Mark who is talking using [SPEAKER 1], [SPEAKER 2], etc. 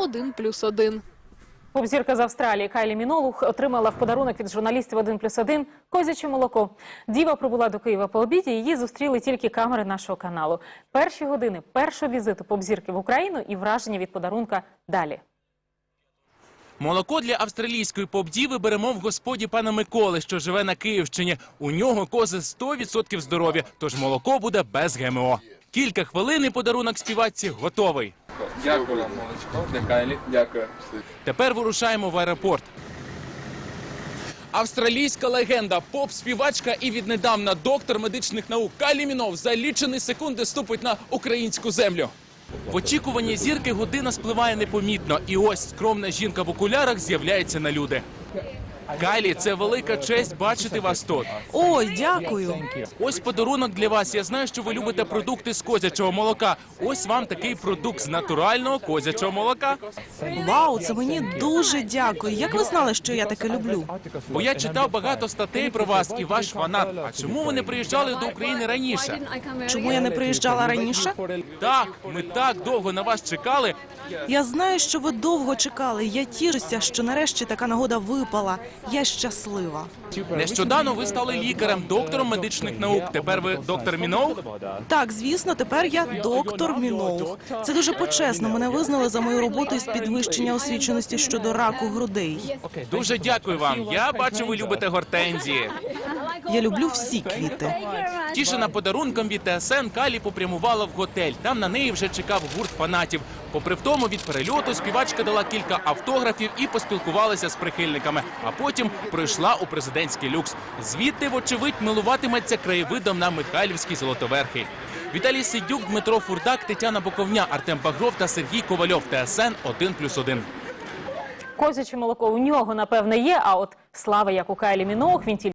[SPEAKER 1] 1+1.
[SPEAKER 2] Поп-зірка з Австралії Кайлі Міноуг отримала в подарунок від журналістів 1+1 козяче молоко. Діва прибула до Києва по обіді, її зустріли тільки камери нашого каналу. Перші години першого візиту поп-зірки в Україну і враження від подарунка далі.
[SPEAKER 3] Молоко для австралійської поп-діви беремо в господі пана Миколи, що живе на Київщині. У нього кози 100% здорові, тож молоко буде без ГМО. Кілька хвилин і подарунок співачці готовий.
[SPEAKER 4] Дякую вам, молочко, для Кайлі. Дякую.
[SPEAKER 3] Тепер вирушаємо в аеропорт. Австралійська легенда, поп-співачка і віднедавна доктор медичних наук Кайлі Міноуг за лічені секунди ступить на українську землю. В очікуванні зірки година спливає непомітно. І ось скромна жінка в окулярах з'являється на люди. Кайлі, це велика честь бачити вас тут.
[SPEAKER 5] Ой, дякую.
[SPEAKER 3] Ось подарунок для вас. Я знаю, що ви любите продукти з козячого молока. Ось вам такий продукт з натурального козячого молока.
[SPEAKER 5] Вау, це мені дуже дякую. Як ви знали, що я таке люблю?
[SPEAKER 3] Бо я читав багато статей про вас і ваш фанат. А чому ви не приїжджали до України раніше?
[SPEAKER 5] Чому я не приїжджала раніше?
[SPEAKER 3] Так, ми так довго на вас чекали.
[SPEAKER 5] Я знаю, що ви довго чекали. Я тішуся, що нарешті така нагода випала. Я щаслива.
[SPEAKER 3] Нещодавно ви стали лікарем, доктором медичних наук. Тепер ви доктор Міноуг?
[SPEAKER 5] Так, звісно, тепер я доктор Міноуг. Це дуже почесно. Мене визнали за мою роботу із підвищення освіченості щодо раку грудей.
[SPEAKER 3] Дуже дякую вам. Я бачу, ви любите гортензії.
[SPEAKER 5] Я люблю всі квіти.
[SPEAKER 3] Тішена подарунком від ТСН, Кайлі попрямувала в готель. Там на неї вже чекав гурт фанатів. Попри втому від перельоту співачка дала кілька автографів і поспілкувалася з прихильниками. А потім пройшла у президентський люкс. Звідти, вочевидь, милуватиметься краєвидом на Михайлівській Золотоверхий. Віталій Сидюк, Дмитро Фурдак, Тетяна Боковня, Артем Багров та Сергій Ковальов. ТСН 1+1.
[SPEAKER 2] Козяче молоко у нього, напевне, є, а от слава, як у Кайлі Міноуг, він тільки